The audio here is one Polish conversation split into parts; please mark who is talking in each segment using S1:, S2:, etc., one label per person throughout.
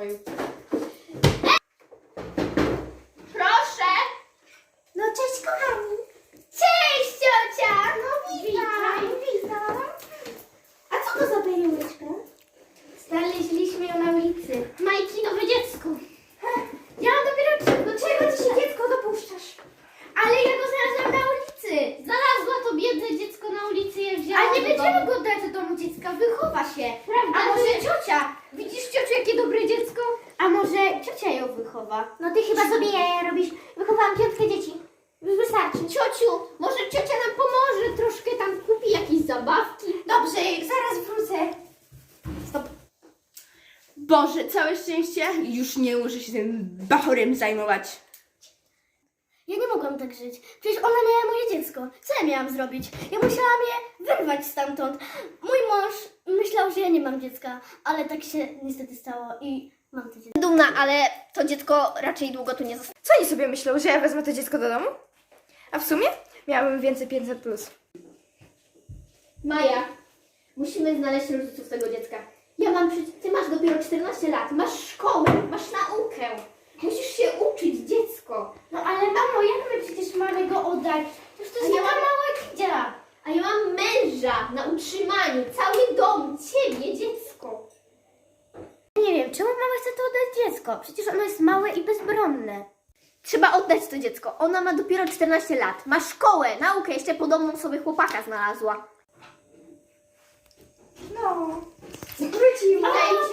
S1: pokoju. Proszę!
S2: No cześć kochani.
S1: Cześć, ciocia!
S2: No witam. A co to za perełeczka?
S1: Znaleźliśmy ją na ulicy. Majki, nowe dziecko. Ja mam dopiero... Do czego ty się dziecko dopuszczasz? Ale ja go znalazłam na ulicy. Znalazła to biedne dziecko na ulicy, je wzięłam. Ale nie będziemy go dać do domu dziecka, wychowa się. Prawda? A może ciocia? Widzisz, ciociu, jakie dobre dziecko? A może ciocia ją wychowa?
S2: No ty chyba sobie jaja robisz. Wychowałam 5 dzieci. Już wystarczy.
S1: Ciociu, może ciocia nam pomoże, troszkę tam kupi jakieś zabawki.
S2: Dobrze, zaraz wrócę.
S1: Stop. Boże, całe szczęście, już nie muszę się tym bachorem zajmować.
S2: Ja nie mogłam tak żyć. Przecież ona miała moje dziecko. Co ja miałam zrobić? Ja musiałam je wyrwać stamtąd. Mój mąż myślał, że ja nie mam dziecka, ale tak się niestety stało i mam to dziecko.
S1: Dumna, ale to dziecko raczej długo tu nie zostanie.
S3: Co oni sobie myślą, że ja wezmę to dziecko do domu? A w sumie miałabym więcej 500+.
S1: Maja, musimy znaleźć rodziców tego dziecka. Ty masz dopiero 14 lat, masz szkołę, masz naukę. Musisz się uczyć, dziecko.
S2: No ale mamo, jak my przecież mamy go oddać? Przecież to jest taka mała kidzia.
S1: A ja mam męża na utrzymaniu, cały dom, ciebie, dziecko.
S2: Nie wiem, czemu mama chce to oddać dziecko? Przecież ono jest małe i bezbronne.
S1: Trzeba oddać to dziecko. Ona ma dopiero 14 lat. Ma szkołę, naukę, jeszcze podobną sobie chłopaka znalazła.
S3: No, wróciła.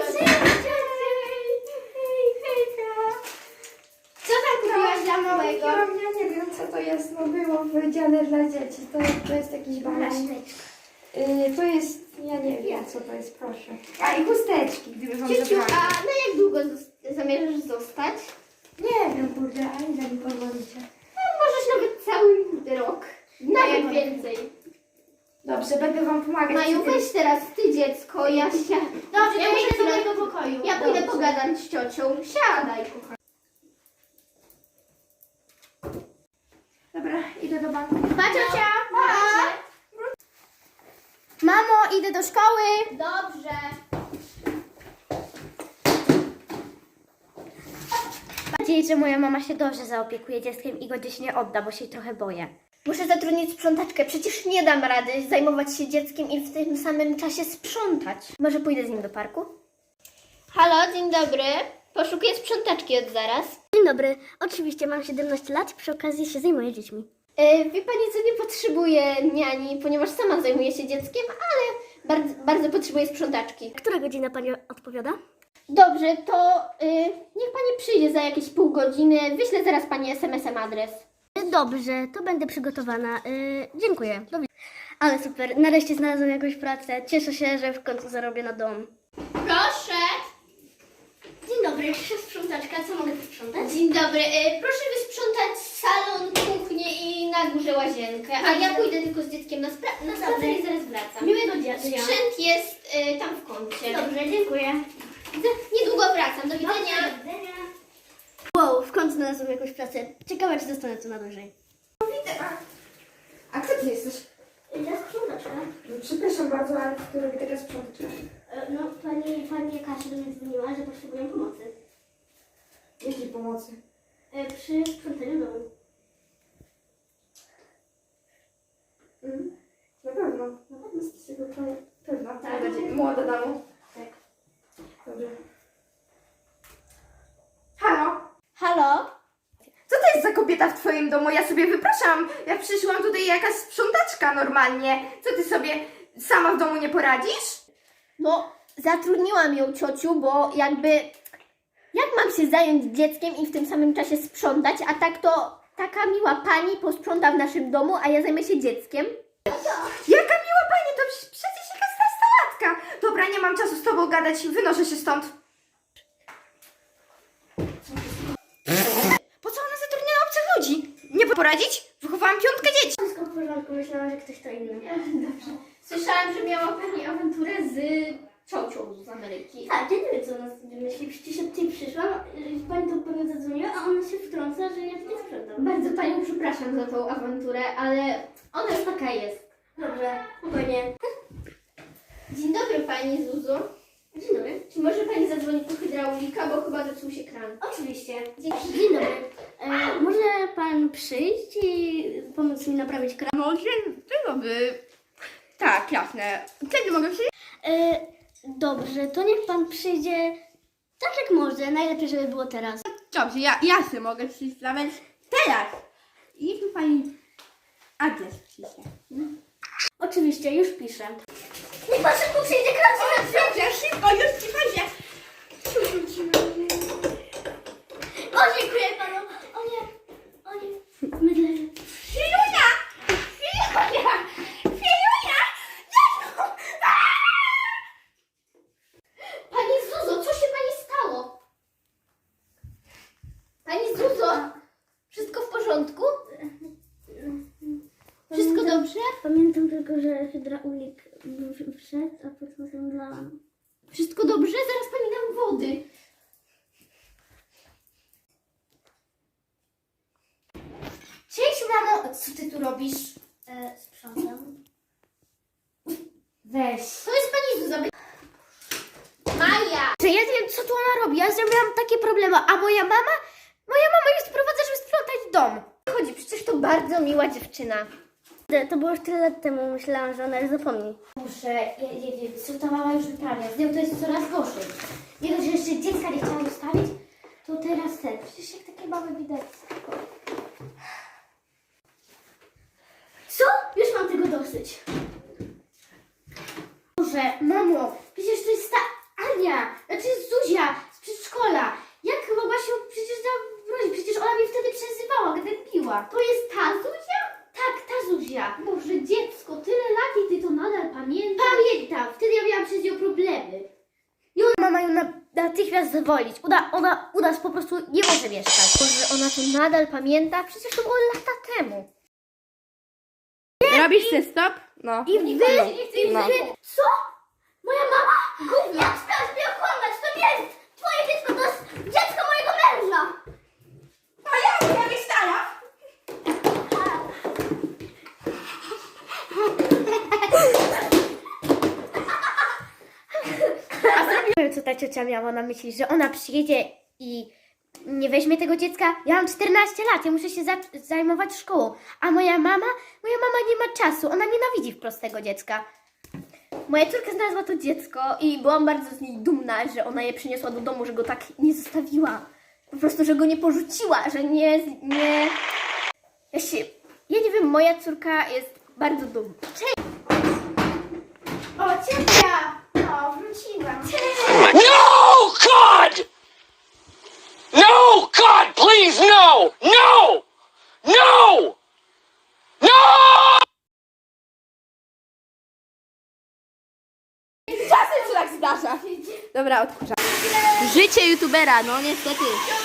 S1: Co tam kupiłaś dla małego?
S3: Ja nie wiem, co to jest. No było powiedziane dla dzieci. To jest jakiś balon. To jest, ja nie wiem, co to jest, proszę. A i chusteczki, gdyby wam
S1: Ciociu,
S3: zabrali.
S1: a na jak długo zamierzasz zostać?
S3: Nie wiem, kurde, a ile mi pozwolicie?
S1: No, możesz nawet cały rok. Nawet
S3: No,
S1: więcej.
S3: Dobrze, będę wam pomagać.
S1: Maju, weź teraz ty dziecko, ja się...
S2: Dobrze,
S1: Ja
S2: to
S1: muszę
S2: idę do
S1: chwilę-
S2: mojego pokoju.
S1: Ja pójdę
S2: Dobrze.
S1: pogadać z ciocią. Siadaj, kochana.
S3: Dobra, idę do banku.
S1: Pa, ciocia!
S2: Mamo, idę do szkoły.
S1: Dobrze.
S2: Mam nadzieję, że moja mama się dobrze zaopiekuje dzieckiem i go gdzieś nie odda, bo się jej trochę boję.
S1: Muszę zatrudnić sprzątaczkę. Przecież nie dam rady zajmować się dzieckiem i w tym samym czasie sprzątać.
S2: Może pójdę z nim do parku?
S1: Halo, dzień dobry. Poszukuję sprzątaczki od zaraz.
S2: Dzień dobry. Oczywiście mam 17 lat, przy okazji się zajmuję dziećmi.
S1: Wie pani co, nie potrzebuję niani, ponieważ sama zajmuję się dzieckiem, ale bardzo potrzebuję sprzątaczki.
S2: Która godzina pani odpowiada?
S1: Dobrze, to niech pani przyjdzie za jakieś pół godziny. Wyślę zaraz pani SMS-em adres.
S2: Dobrze, to będę przygotowana. Dziękuję. Do widzenia. Ale super, nareszcie znalazłam jakąś pracę. Cieszę się, że w końcu zarobię na dom.
S1: Proszę.
S2: Dzień dobry, sprzątaczka, co mogę posprzątać?
S1: Dzień dobry. Proszę wysprzątać salon, kuchnię i na górze łazienkę. A ja pójdę tylko z dzieckiem na spacer i zaraz wracam.
S2: Miłego dnia.
S1: Sprzęt jest tam w kącie.
S2: Dobrze, dziękuję.
S1: Niedługo wracam. Do widzenia.
S2: Wow, w końcu znalazłam jakąś pracę. Ciekawe, czy zostanę tu na dłużej.
S3: A kto ty jesteś?
S2: Ja sprzątaczka.
S3: No, przepraszam bardzo, ale kto robi teraz sprzątaczka?
S2: No, pani Kasia do mnie dzwoniła, że potrzebuję pomocy.
S3: Jakiej pomocy?
S2: Przy sprzątaniu domu.
S3: Na pewno.
S2: Na pewno z tego
S3: Pewna.
S2: Tak.
S3: Będzie młoda dama.
S2: Tak.
S3: Dobrze. Halo?
S1: Halo?
S3: Co to jest za kobieta w twoim domu? Ja sobie wypraszam. Ja przyszłam tutaj jakaś sprzątaczka normalnie. Co ty sobie sama w domu nie poradzisz?
S1: No, zatrudniłam ją, ciociu, bo jakby... Jak mam się zająć dzieckiem i w tym samym czasie sprzątać, a tak to taka miła pani posprząta w naszym domu, a ja zajmę się dzieckiem?
S3: Jaka miła pani, to przecież jakaś nastolatka. Dobra, nie mam czasu z tobą gadać, wynoszę się stąd. Po co ona zatrudniała obcych ludzi? Nie poradzić? Wychowałam 5 dzieci.
S2: Wszystko w porządku, myślałam, że ktoś to inny.
S1: Dobrze. Słyszałam, że miała pani awanturę z ciocią z Ameryki.
S2: Tak, ja nie wiem, co ona sobie myśli. Przecież ja tutaj przyszłam, pani to pewnie zadzwoniła, a ona się wtrąca, że ja tutaj sprzątam.
S1: Bardzo panią przepraszam za tą awanturę, ale ona już taka jest.
S2: Dobrze, spokojnie.
S1: Dzień dobry pani Zuzu.
S2: Dzień dobry.
S1: Czy może pani zadzwonić po hydraulika, bo chyba zepsuł się kran?
S2: Oczywiście. Dzień dobry. Może pan przyjść i pomóc mi naprawić kran?
S4: No, dzień dobry. Tak, jasne. Kiedy mogę przyjść?
S2: Dobrze, to niech pan przyjdzie tak jak może. Najlepiej, żeby było teraz.
S4: Dobrze, ja sobie mogę przyjść nawet teraz. I niech mi pani adres pisze.
S2: Oczywiście, już piszę. Niech pan szybko przyjdzie, kran się
S4: Dobrze, szybko, już ci chodźę.
S2: O, dziękuję panu. O nie, mydlę.
S4: Filunia! Filunia! Filunia! Jezu!
S1: Pani Zuzo, co się pani stało? Pani Zuzo, wszystko w porządku? Wszystko dobrze?
S2: Pamiętam tylko, że hydraulik wszedł, a potem zemdlałam.
S1: Wszystko dobrze? Zaraz pani dam wody. Cześć mamo, co ty tu robisz?
S2: Sprzątam.
S1: Weź. To jest pani Zuza. Maja! Że ja nie wiem, co tu ona robi. Ja miałam takie problemy, a moja mama ją sprowadza, żeby sprzątać dom. Chodzi, przecież to bardzo miła dziewczyna.
S2: To było już tyle lat temu, myślałam, że ona już zapomni.
S1: Muszę, co ta mama już wyprawia. Z nią to jest coraz gorzej. Nie dość, że jeszcze dziecka nie chciała zostawić, to teraz ten. Przecież jak takie mamy widać.
S2: Co? Już mam tego dosyć.
S1: Boże, mamo, przecież to jest ta Ania, znaczy Zuzia z przedszkola. Jak mogła się przecież zawrócić? Przecież ona mnie wtedy przezywała, gdy piła. To jest ta Zuzia? Tak, ta Zuzia. Boże, dziecko, tyle lat i ty to nadal pamiętasz? Pamiętam, wtedy ja miałam przez nią problemy. I ona ma ją natychmiast zwolnić. U nas po prostu nie może mieszkać. Boże, ona to nadal pamięta? Przecież to było lata temu.
S4: Robisz ten stop? No.
S1: I wy,
S4: No.
S1: co? Moja mama? Gówno. Jak śmiałaś mnie okłamać? To nie jest twoje dziecko, to jest dziecko mojego męża.
S4: A ja nie stara.
S1: Co ta ciocia miała na myśli, że ona przyjedzie i nie weźmie tego dziecka? Ja mam 14 lat, ja muszę się zajmować szkołą. A moja mama nie ma czasu, ona nienawidzi wprost tego dziecka. Moja córka znalazła to dziecko i byłam bardzo z niej dumna, że ona je przyniosła do domu, że go tak nie zostawiła. Po prostu, że go nie porzuciła, że nie... Ja nie wiem, moja córka jest bardzo dumna. Cześć! O, ciocia! O, wróciłam. Cześć!
S5: No, God! No, God, please, no! No! No! No!
S4: Czasem się tak zdarza. Dobra, odkurzam. Życie youtubera, no niestety.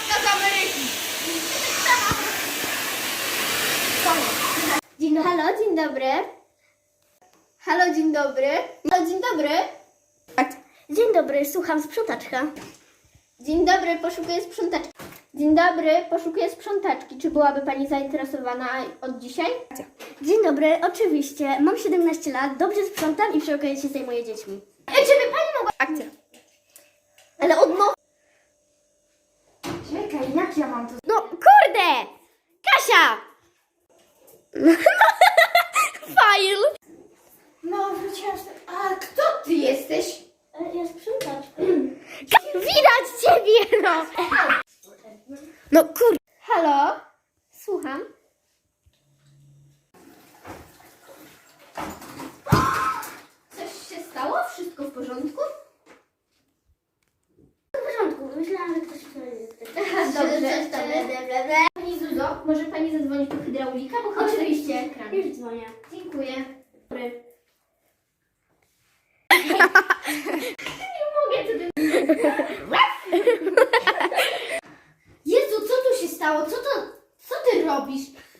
S1: Halo, dzień dobry. Halo, dzień dobry. Halo, dzień dobry.
S2: Dzień dobry, słucham sprzątaczka.
S1: Dzień dobry, poszukuję sprzątaczki. Dzień dobry, poszukuję sprzątaczki. Czy byłaby pani zainteresowana od dzisiaj?
S2: Dzień dobry, oczywiście. Mam 17 lat, dobrze sprzątam i przy okazji się zajmuję dziećmi.
S1: Czy by pani mogła...
S4: Akcja.
S1: Ale od nowa...
S3: Czekaj, jak ja mam to...
S1: No, kurde! Kasia! Fajl!
S3: No, wróciłam z... A kto ty jesteś?
S2: Ja sprzątacz.
S1: Widać ciebie, no! No kurde. Halo? Słucham. Coś się stało? Wszystko w porządku?
S2: W porządku, myślałam, że ktoś
S1: Dobrze. Pani Zuzo, może pani zadzwonić po hydraulika? Bo chyba
S2: Oczywiście,
S1: ekran.
S2: już dzwonię.
S1: Dziękuję. Nie mogę, co ty... Jezu, co tu się stało? Co ty robisz?